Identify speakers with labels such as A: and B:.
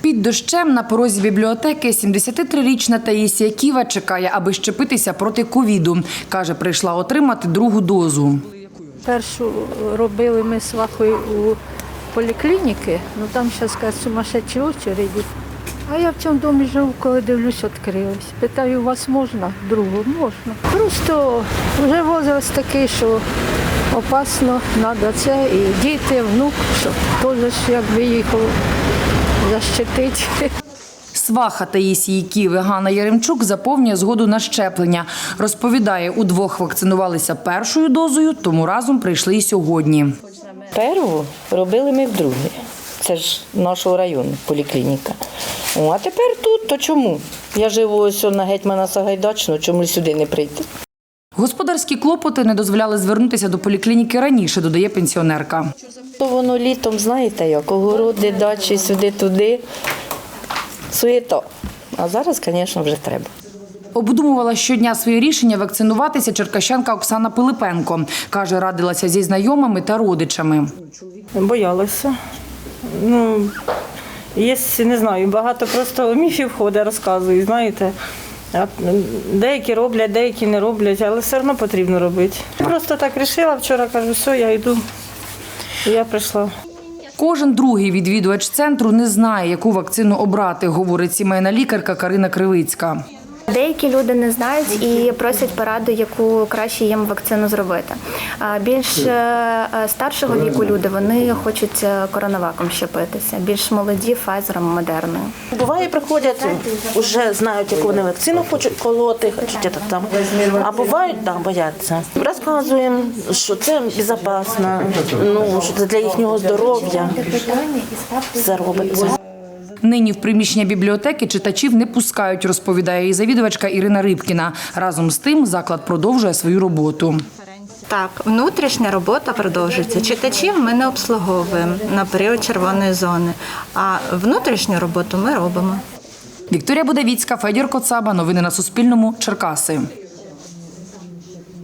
A: Під дощем на порозі бібліотеки 73-річна Таїсія Ківа чекає, аби щепитися проти ковіду. Каже, прийшла отримати другу дозу.
B: Першу робили ми з Вахою у поліклініки, там зараз кажуть, сумасшедші очереді. А я в цьому домі живу, коли дивлюсь, відкрились. Питаю, у вас можна? Другу? Можна. Просто вже возраст такий, що опасно, треба це. І діти, внук, щоб теж якби їх защитити.
A: Сваха Таїсії Ківи Ганна Яремчук заповнює згоду на щеплення. Розповідає, удвох вакцинувалися першою дозою, тому разом прийшли і сьогодні.
C: Перву робили ми вдруге. Це ж нашого району, поліклініка. А тепер тут, то чому? Я живу ось на Гетьмана Сагайдачного, чому сюди не прийти?
A: Господарські клопоти не дозволяли звернутися до поліклініки раніше, додає пенсіонерка.
C: То воно літом, знаєте як, огороди, дачі, сюди-туди, суєта. А зараз, звісно, вже треба.
A: Обдумувала щодня своє рішення вакцинуватися черкащанка Оксана Пилипенко. Каже, радилася зі знайомими та родичами.
D: Боялася. Є, не знаю, багато просто міфів ходить, розказують, знаєте. Деякі роблять, деякі не роблять, але все одно потрібно робити. Просто так вирішила, вчора кажу, все, я йду. І я прийшла.
A: Кожен другий відвідувач центру не знає, яку вакцину обрати, говорить сімейна лікарка Карина Кривицька.
E: Деякі люди не знають і просять пораду, яку краще їм вакцину зробити. Більш старшого віку люди, вони хочуть коронаваком щепитися, більш молоді – Файзером, Модерною.
F: Буває, приходять, вже знають, яку вони вакцину хочуть колоти, а бувають, бояться. Розказуємо, що це безпечно, що це для їхнього здоров'я, все робиться.
A: Нині в приміщення бібліотеки читачів не пускають, розповідає її завідувачка Ірина Рибкіна. Разом з тим заклад продовжує свою роботу.
G: Так, внутрішня робота продовжується. Читачів ми не обслуговуємо на період червоної зони, а внутрішню роботу ми робимо.
A: Вікторія Будавіцька, Федір Коцаба. Новини на Суспільному. Черкаси.